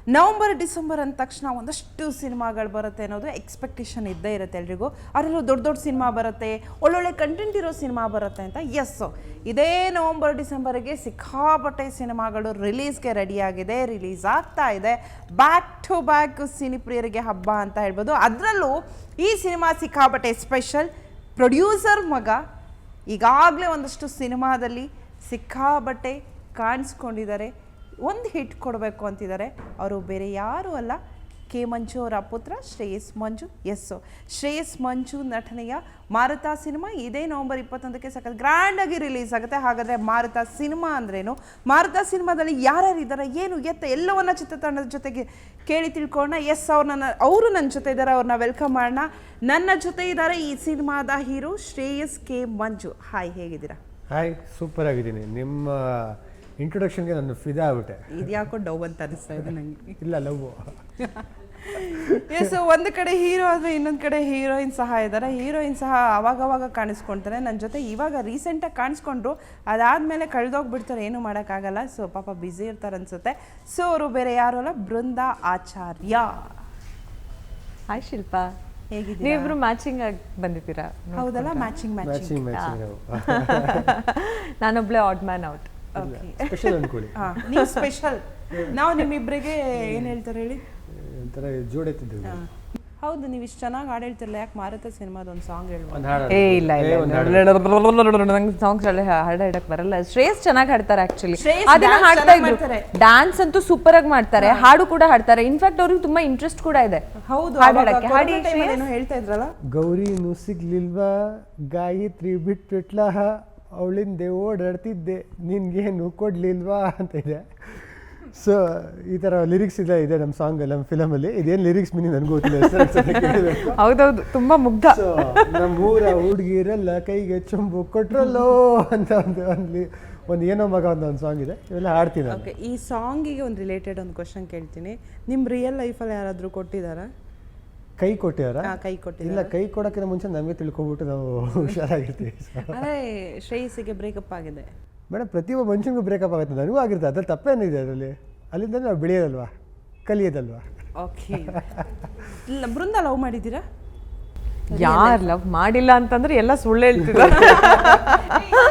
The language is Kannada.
ನವಂಬರ್ ಡಿಸೆಂಬರ್ ಅಂದ ತಕ್ಷಣ ಒಂದಷ್ಟು ಸಿನಿಮಾಗಳು ಬರುತ್ತೆ ಅನ್ನೋದು ಎಕ್ಸ್ಪೆಕ್ಟೇಷನ್ ಇದ್ದೇ ಇರುತ್ತೆ ಎಲ್ರಿಗೂ. ಅದರಲ್ಲೂ ದೊಡ್ಡ ದೊಡ್ಡ ಸಿನಿಮಾ ಬರುತ್ತೆ, ಒಳ್ಳೊಳ್ಳೆ ಕಂಟೆಂಟ್ ಇರೋ ಸಿನಿಮಾ ಬರುತ್ತೆ ಅಂತ. ಎಸ್ಸು ಇದೇ ನವಂಬರ್ ಡಿಸೆಂಬರ್ಗೆ ಸಿಕ್ಕಾಪಟ್ಟೆ ಸಿನಿಮಾಗಳು ರಿಲೀಸ್ಗೆ ರೆಡಿಯಾಗಿದೆ, ರಿಲೀಸ್ ಆಗ್ತಾ ಇದೆ. ಬ್ಯಾಕ್ ಟು ಬ್ಯಾಕ್ ಸಿನಿಪ್ರಿಯರಿಗೆ ಹಬ್ಬ ಅಂತ ಹೇಳ್ಬೋದು. ಅದರಲ್ಲೂ ಈ ಸಿನಿಮಾ ಸಿಕ್ಕಾಪಟ್ಟೆ ಸ್ಪೆಷಲ್. ಪ್ರೊಡ್ಯೂಸರ್ ಮಗ ಈಗಾಗಲೇ ಒಂದಷ್ಟು ಸಿನಿಮಾದಲ್ಲಿ ಸಿಕ್ಕಾಪಟ್ಟೆ ಕಾಣಿಸ್ಕೊಂಡಿದ್ದಾರೆ, ಒಂದು ಹಿಟ್ ಕೊಡಬೇಕು ಅಂತಿದ್ದಾರೆ. ಅವರು ಬೇರೆ ಯಾರೂ ಅಲ್ಲ, ಕೆ ಮಂಜು ಅವರ ಪುತ್ರ ಶ್ರೇಯಸ್ ಮಂಜು. ಎಸ್ಸು ಶ್ರೇಯಸ್ ಮಂಜು ನಟನೆಯ ಮಾರುತ ಸಿನಿಮಾ ಇದೇ ನವಂಬರ್ 21ಕ್ಕೆ ಸಖತ್ ಗ್ರ್ಯಾಂಡಾಗಿ ರಿಲೀಸ್ ಆಗುತ್ತೆ. ಹಾಗಾದರೆ ಮಾರುತ ಸಿನಿಮಾ ಅಂದ್ರೇನು, ಮಾರುತ ಸಿನಿಮಾದಲ್ಲಿ ಯಾರ್ಯಾರಿದ್ದಾರೆ, ಏನು ಎತ್ತ ಎಲ್ಲವನ್ನ ಚಿತ್ರತಂಡದ ಜೊತೆಗೆ ಕೇಳಿ ತಿಳ್ಕೊಳ್ಳೋಣ. ಎಸ್ ಅವರು ನನ್ನ ಜೊತೆ ಇದ್ದಾರೆ, ಅವ್ರನ್ನ ವೆಲ್ಕಮ್ ಮಾಡೋಣ. ನನ್ನ ಜೊತೆ ಇದ್ದಾರೆ ಈ ಸಿನಿಮಾದ hero Shreyas K Manju. Hi, ಹೇಗಿದ್ದೀರಾ? ಹಾಯ್, ಸೂಪರ್ ಆಗಿದ್ದೀನಿ. ನಿಮ್ಮ ಇಂಟ್ರೊಡಕ್ಷನ್ಗೆ ನಾನು ಫಿದಾ ಆಗ್ಬಿಟ್ಟೆ. ಇದ್ಯಾಕೋ ಡೌ ಅಂತ ಅನಿಸ್ತಾ ಇದೆ ನನಗೆ. ಇಲ್ಲ, ಲವ್. ಎಸ್, ಒಂದು ಕಡೆ ಹೀರೋ ಆದರೆ ಇನ್ನೊಂದು ಕಡೆ ಹೀರೋಯಿನ್ ಸಹ ಇದ್ದಾರೆ. ಹೀರೋಯಿನ್ ಸಹ ಅವಾಗವಾಗ ಕಾಣಿಸ್ಕೊಳ್ತಾರೆ ನನ್ನ ಜೊತೆ. ಇವಾಗ ರೀಸೆಂಟಾಗಿ ಕಾಣಿಸ್ಕೊಂಡ್ರು, ಅದಾದಮೇಲೆ ಕಳೆದೋಗ್ಬಿಡ್ತಾರೆ, ಏನು ಮಾಡೋಕ್ಕಾಗಲ್ಲ. ಸೊ ಪಾಪ ಬ್ಯುಸಿ ಇರ್ತಾರೆ ಅನ್ಸುತ್ತೆ. ಸೊ ಅವರು ಬೇರೆ ಯಾರು ಅಲ್ಲ, ಬೃಂದಾ ಆಚಾರ್ಯ. ಹಾಯ್ ಶಿಲ್ಪಾ, ಹೇಗಿದ್ದೀರಾ? ನೀವಿಬ್ರು ಮ್ಯಾಚಿಂಗ್ ಆಗಿ ಬಂದಿದ್ದೀರಾ? ಹೌದಲ್ಲ, ಮ್ಯಾಚಿಂಗ್. ನಾನೊಬ್ಳೆ ಆಡ್ ಮ್ಯಾನ್ ಔಟ್. ಸ್ಪೆಷಲ್ ಅನ್ಕೊಳ್ಳಿ. ನೀವು ಸ್ಪೆಷಲ್, ನಾವು ನಿಮ್ಮಿಬ್ಬರಿಗೆ ಏನು ಹೇಳ್ತಾರೆ ಹೇಳಿ, ಒಂಥರ ಜೋಡೆತ್ತಿದ್ದೇವೆ. ಹೌದು, ನೀವು ಇಷ್ಟು ಚೆನ್ನಾಗಿ ಹಾಡು ಹೇಳ್ತಿರಲ್ಲ, ಯಾಕೆ ಮಾರುತ ಸಿನಿಮಾದ ಒಂದು ಸಾಂಗ್ ಹೇಳ್ಬೋದು? ನಂಗೆ ಸಾಂಗ್ಸ್ ಹಾಡು ಹಾಡಕ್ ಬರಲ್ಲ. ಶ್ರೇಯಸ್ ಚೆನ್ನಾಗಿ ಹಾಡ್ತಾರೆ ಆಕ್ಚುಲಿ, ಅದನ್ನ ಹಾಡ್ತಾ ಇದ್ರು. ಡ್ಯಾನ್ಸ್ ಅಂತೂ ಸೂಪರ್ ಆಗಿ ಮಾಡ್ತಾರೆ, ಹಾಡು ಕೂಡ ಹಾಡ್ತಾರೆ. ಇನ್ಫ್ಯಾಕ್ಟ್ ಅವ್ರಿಗೆ ತುಂಬಾ ಇಂಟ್ರೆಸ್ಟ್ ಕೂಡ ಇದೆ. ಹೌದು, ಏನು ಹೇಳ್ತಾ ಇದ್ರಲ್ಲ, ಗೌರಿನೂ ಸಿಗ್ಲಿಲ್ವಾ, ಗಾಯತ್ರಿ ಬಿಟ್ಬಿಟ್ಲ, ಅವಳಿಂದೆ ಓಡಾಡ್ತಿದ್ದೆ, ನಿನ್ಗೇನು ಕೊಡ್ಲಿಲ್ವಾ ಅಂತ ಇದೆ. ಸೊ ಈ ಥರ ಲಿರಿಕ್ಸ್ ಇದೆ ನಮ್ಮ ಸಾಂಗ್, ನಮ್ಮ ಫಿಲಮಲ್ಲಿ. ಇದೇನು ಲಿರಿಕ್ಸ್ ಮೀನಿಂಗ್ ನನಗೂ ಗೊತ್ತಿಲ್ಲ. ಹೌದೌದು, ತುಂಬಾ ಮುಗ್ಧ. ನಮ್ಮೂರ ಹುಡುಗಿರೆಲ್ಲ ಕೈಗೆ ಚೊಂಬು ಕೊಟ್ರಲ್ಲೋ ಅಂತ ಒಂದು ಏನೋ ಮಗ ಒಂದು ಸಾಂಗ್ ಇದೆ, ಇವೆಲ್ಲ ಹಾಡ್ತೀನಿ. ಓಕೆ, ಈ ಸಾಂಗಿಗೆ ಒಂದು ರಿಲೇಟೆಡ್ ಒಂದು ಕ್ವಶನ್ ಕೇಳ್ತೀನಿ. ನಿಮ್ಮ ರಿಯಲ್ ಲೈಫಲ್ಲಿ ಯಾರಾದರೂ ಕೊಟ್ಟಿದ್ದಾರಾ? ಕೈ ಕೊಟ್ಟಿದಾರ? ಕೈ ಕೊಟ್ಟಿಲ್ಲ. ಇಲ್ಲ, ಕೈ ಕೊಡೋಕ್ಕಿಂತ ಮುಂಚೆ ನಮಗೆ ತಿಳ್ಕೊಬಿಟ್ಟು ನಾವು ಹುಷಾರಾಗಿರ್ತೀವಿ. ಅದೇ ಶ್ರೇಯಸ್ಸಿಗೆ ಬ್ರೇಕಪ್ ಆಗಿದೆ ಮೇಡಮ್. ಪ್ರತಿಯೊಬ್ಬ ಮನುಷ್ಯನಿಗೂ ಬ್ರೇಕಪ್ ಆಗುತ್ತೆ, ನನಗೂ ಆಗಿರುತ್ತೆ. ಅದ್ರಲ್ಲಿ ತಪ್ಪೇನಿದೆ ಅದರಲ್ಲಿ? ಅಲ್ಲಿಂದ ನಾವು ಬೆಳೆಯೋದಲ್ವಾ, ಕಲಿಯೋದಲ್ವಾ? ಓಕೆ. ಇಲ್ಲ, ಬೃಂದ ಲವ್ ಮಾಡಿದ್ದೀರಾ? ಯಾರು ಲವ್ ಮಾಡಿಲ್ಲ ಅಂತಂದ್ರೆ ಎಲ್ಲ ಸುಳ್ಳು ಹೇಳ್ತಿದ್ದಾರೆ.